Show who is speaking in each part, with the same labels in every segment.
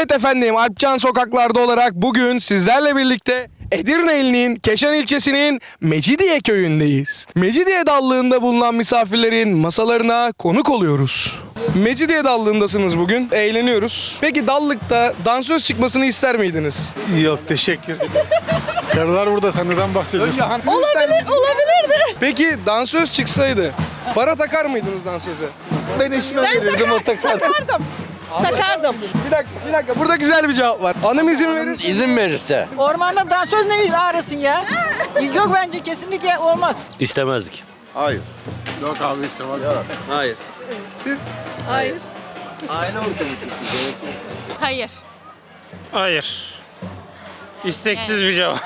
Speaker 1: Evet efendim, Alpcan sokaklarda olarak bugün sizlerle birlikte Edirne ilinin Keşan ilçesinin Mecidiye köyündeyiz. Mecidiye dallığında bulunan misafirlerin masalarına konuk oluyoruz. Mecidiye dallığındasınız bugün, eğleniyoruz. Peki dallıkta dansöz çıkmasını ister miydiniz?
Speaker 2: Yok, teşekkür. Karılar burada, sen neden bahsediyorsun?
Speaker 3: Olabilirdi.
Speaker 1: Peki dansöz çıksaydı para takar mıydınız dansöze?
Speaker 2: Ben eşime verirdim, o takar.
Speaker 3: Takardım.
Speaker 1: Bir dakika, burada güzel bir cevap var. Hanım izin verirse.
Speaker 4: İzin verirse.
Speaker 5: Ormanda dansöz ne iş ağrısın ya? Yok bence kesinlikle olmaz.
Speaker 4: İstemezdik.
Speaker 2: Hayır. Yok abi işte bak.
Speaker 4: Hayır.
Speaker 1: Siz?
Speaker 3: Hayır.
Speaker 4: Aile ortamı çünkü.
Speaker 3: Hayır.
Speaker 6: Hayır. İsteksiz bir cevap.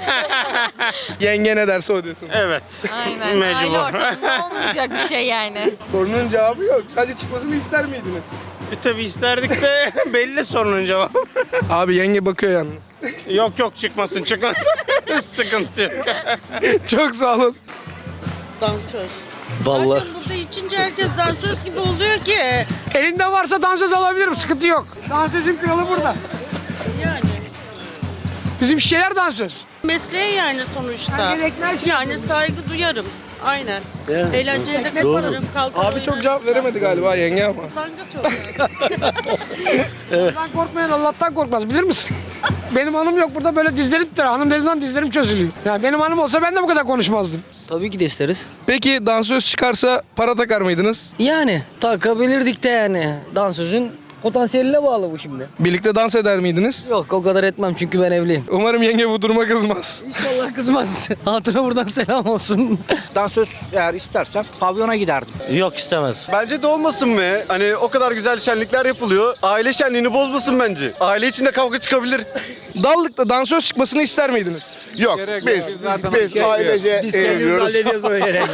Speaker 1: Yenge ne derse o diyorsun.
Speaker 6: Evet.
Speaker 3: Aynen.
Speaker 6: Mecbur.
Speaker 3: Aile ortamında olmayacak bir şey yani.
Speaker 1: Sorunun cevabı yok. Sadece çıkmasını ister miydiniz?
Speaker 6: Tabii isterdik de belli sorunun cevabı.
Speaker 1: Abi yenge bakıyor yalnız.
Speaker 6: Yok çıkmasın. Sıkıntı yok.
Speaker 1: Çok sağ olun.
Speaker 7: Dansöz.
Speaker 4: Vallahi.
Speaker 7: Zaten burada içince herkes dansöz gibi oluyor ki.
Speaker 5: Elinde varsa dansöz alabilirim, sıkıntı yok. Dansözün kralı burada.
Speaker 7: Yani
Speaker 5: Bizim şeyler dansöz.
Speaker 7: mesleği yani sonuçta.
Speaker 5: Ben gerekmez için
Speaker 7: Yani saygı duyarım. Aynen. Eğlenceye de katılırım, kalkarım.
Speaker 1: Abi çok cevap veremedi galiba yenge ama.
Speaker 7: Utangaç olmaz.
Speaker 5: Allah'tan korkmayan Allah'tan korkmaz, bilir misin? Benim hanım yok burada, böyle dizlerim tutar. Hanım dediği zaman dizlerim çözülüyor. Yani benim hanım olsa ben de bu kadar konuşmazdım.
Speaker 8: Tabii ki de isteriz.
Speaker 1: Peki dansöz çıkarsa para takar mıydınız?
Speaker 8: Yani takabilirdik de yani. Dansözün potansiyeline bağlı bu şimdi.
Speaker 1: Birlikte dans eder miydiniz?
Speaker 8: Yok, o kadar etmem çünkü ben evliyim.
Speaker 1: Umarım yenge bu duruma kızmaz.
Speaker 8: İnşallah kızmaz. Hatuna buradan selam olsun.
Speaker 9: Dansöz eğer istersen pavyona giderdim.
Speaker 4: Yok istemez.
Speaker 10: Bence de olmasın be. Hani o kadar güzel şenlikler yapılıyor. Aile şenliğini bozmasın bence. Aile içinde kavga çıkabilir.
Speaker 1: Dallıkta dansöz çıkmasını ister miydiniz?
Speaker 2: Yok, biz ailece eğleniyoruz.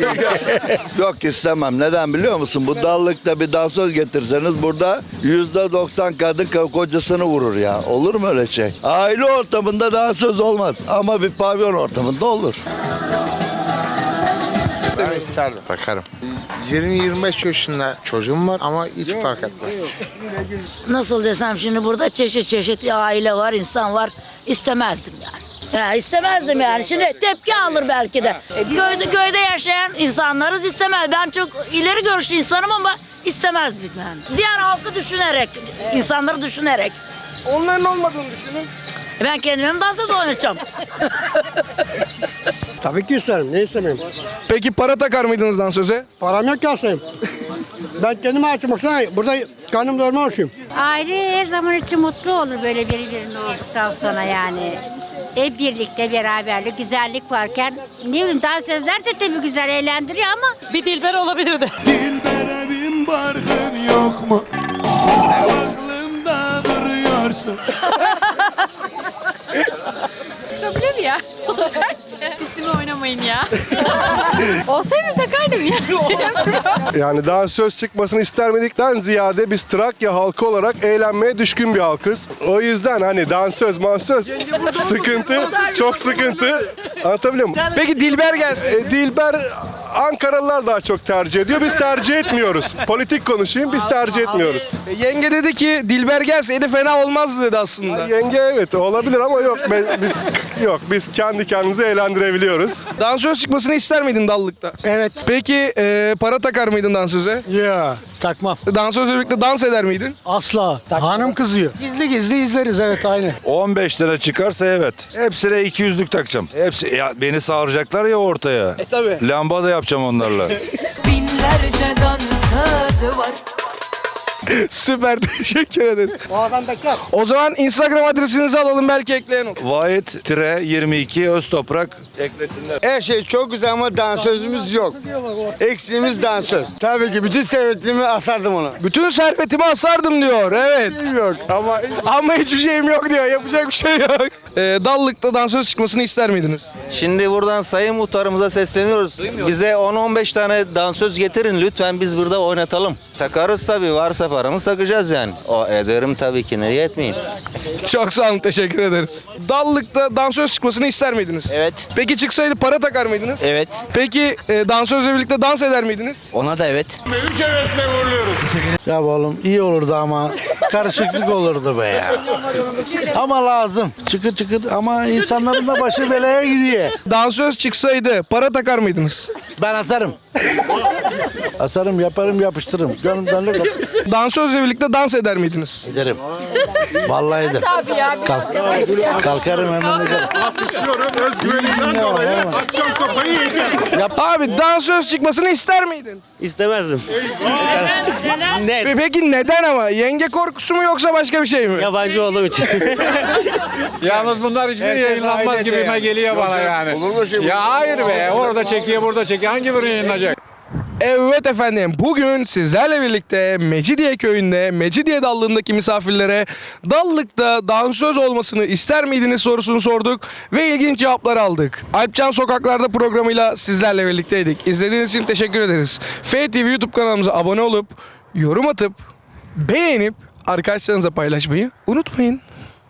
Speaker 11: Yok istemem. Neden biliyor musun? Bu dallıkta bir dansöz getirseniz burada %90 kadın kocasını vurur ya. Olur mu öyle şey? Aile ortamında dansöz olmaz ama bir pavyon ortamında olur.
Speaker 2: Ben isterdim. Takarım. 20-25 yaşında çocuğum var ama hiç fark etmez.
Speaker 12: Nasıl desem, şimdi burada çeşit çeşit aile var, insan var. İstemezdim yani. Ya istemezdim yani. Şimdi tepki alır belki de. Köyde yaşayan insanlarız, istemez. Ben çok ileri görüşlü insanım ama istemezdim yani. Diğer halkı düşünerek, insanları düşünerek.
Speaker 1: Onların olmadığını düşünün.
Speaker 12: Ben kendime dansöz oynayacağım.
Speaker 5: Tabii ki isterim, ne istemeyim?
Speaker 1: Peki para takar mıydınız dansöze?
Speaker 5: Param yok ki aslıyım. Ben kendime açım, baksana burada karnım doyurma oluşuyum.
Speaker 7: Aile her zaman için mutlu olur böyle birbirinin olduktan sonra yani. Hep birlikte beraberlik, güzellik varken ne bileyim dansözler de tabii güzel eğlendiriyor ama
Speaker 3: Bir dilber olabilirdi.
Speaker 11: Dilbere bin barkın yok mu? Aklımda duruyorsun.
Speaker 3: Çıkabilir ya. Olacak ki. Üstüme oynamayın ya. Olsaydı takardım ya.
Speaker 10: Yani dansöz çıkmasını ister midikten ziyade biz Trakya halkı olarak eğlenmeye düşkün bir halkız. O yüzden hani dansöz, mansöz sıkıntı, çok sıkıntı. Anlatabiliyor muyum?
Speaker 1: Peki Dilber gelse?
Speaker 10: Dilber Ankaralılar daha çok tercih ediyor. Biz tercih etmiyoruz. Politik konuşayım, biz tercih etmiyoruz.
Speaker 1: Yenge dedi ki Dilber gelseydi fena olmazdı dedi aslında.
Speaker 10: Yenge evet olabilir ama yok. Biz kendi kendimizi eğlendirebiliyoruz.
Speaker 1: Dansöz çıkmasını ister miydin dallıkta?
Speaker 5: Evet.
Speaker 1: Peki para takar mıydın dansöze?
Speaker 5: Ya takmam.
Speaker 1: Dansözle birlikte dans eder miydin?
Speaker 5: Asla. Hanım kızıyor. Gizli gizli izleriz, evet aynı.
Speaker 11: 15 lira çıkarsa evet. Hepsine 200'lük takacağım. Hepsi ya, beni sağıracaklar ya ortaya.
Speaker 1: Tabii.
Speaker 11: Lamba da yapacağım onlarla.
Speaker 12: Binlerce dansöz var.
Speaker 1: Süper, teşekkür ederiz.
Speaker 5: O adam bekler.
Speaker 1: O zaman Instagram adresinizi alalım, belki ekleyen olur.
Speaker 11: Vahit-22 Öztoprak eklesinler.
Speaker 9: Her şey çok güzel ama dansözümüz yok. Eksiğimiz dansöz. Tabii ki bütün servetimi asardım ona.
Speaker 1: Bütün servetimi asardım diyor, evet.
Speaker 9: Yok ama
Speaker 1: Ama hiçbir şeyim yok diyor, yapacak bir şey yok. Dallık'ta dansöz çıkmasını ister miydiniz?
Speaker 13: Şimdi buradan Sayın Muhtarımıza sesleniyoruz. Bize 10-15 tane dansöz getirin lütfen, biz burada oynatalım. Takarız tabii, varsa paramız takacağız yani. O ederim tabii ki, ne etmeyeyim.
Speaker 1: Çok sağ olun, teşekkür ederiz. Dallık'ta dansöz çıkmasını ister miydiniz?
Speaker 13: Evet.
Speaker 1: Peki çıksaydı para takar mıydınız?
Speaker 13: Evet.
Speaker 1: Peki dansözle birlikte dans eder miydiniz?
Speaker 13: Ona da evet.
Speaker 9: Ya oğlum iyi olurdu ama karışıklık olurdu be ya. Ama lazım. Çıkır çıkır ama insanların da başı belaya gidiyor.
Speaker 1: Dansöz çıksaydı para takar mıydınız?
Speaker 9: Ben asarım. Asarım, yaparım, yapıştırırım. Gönlümden ne kadar
Speaker 1: Dansözle birlikte dans eder miydiniz?
Speaker 9: ederim. Vallahi ederim.
Speaker 3: Tabii ya.
Speaker 9: Kalkarım hemen ederim.
Speaker 10: Özgüveninden dolayı akşam sopayı yiyeceğim.
Speaker 1: Abi dansöz çıkmasını ister miydin?
Speaker 4: İstemezdim. Net.
Speaker 1: Peki neden ama? Yenge korkusu mu yoksa başka bir şey mi?
Speaker 4: Yabancı olduğum için.
Speaker 6: Yalnız bunlar hiçbir yayınlanmaz gibime geliyor bana yani.
Speaker 10: Olur mu şey?
Speaker 6: Ya hayır be, orada çekiyor burada çekiyor, hangi birini yayınlanacak?
Speaker 1: Evet efendim, bugün sizlerle birlikte Mecidiye köyünde, Mecidiye Dallığı'ndaki misafirlere Dallık'ta dansöz olmasını ister miydiniz sorusunu sorduk ve ilginç cevaplar aldık. Alpcan Sokaklar'da programıyla sizlerle birlikteydik. İzlediğiniz için teşekkür ederiz. FTV YouTube kanalımıza abone olup, yorum atıp, beğenip arkadaşlarınıza paylaşmayı unutmayın.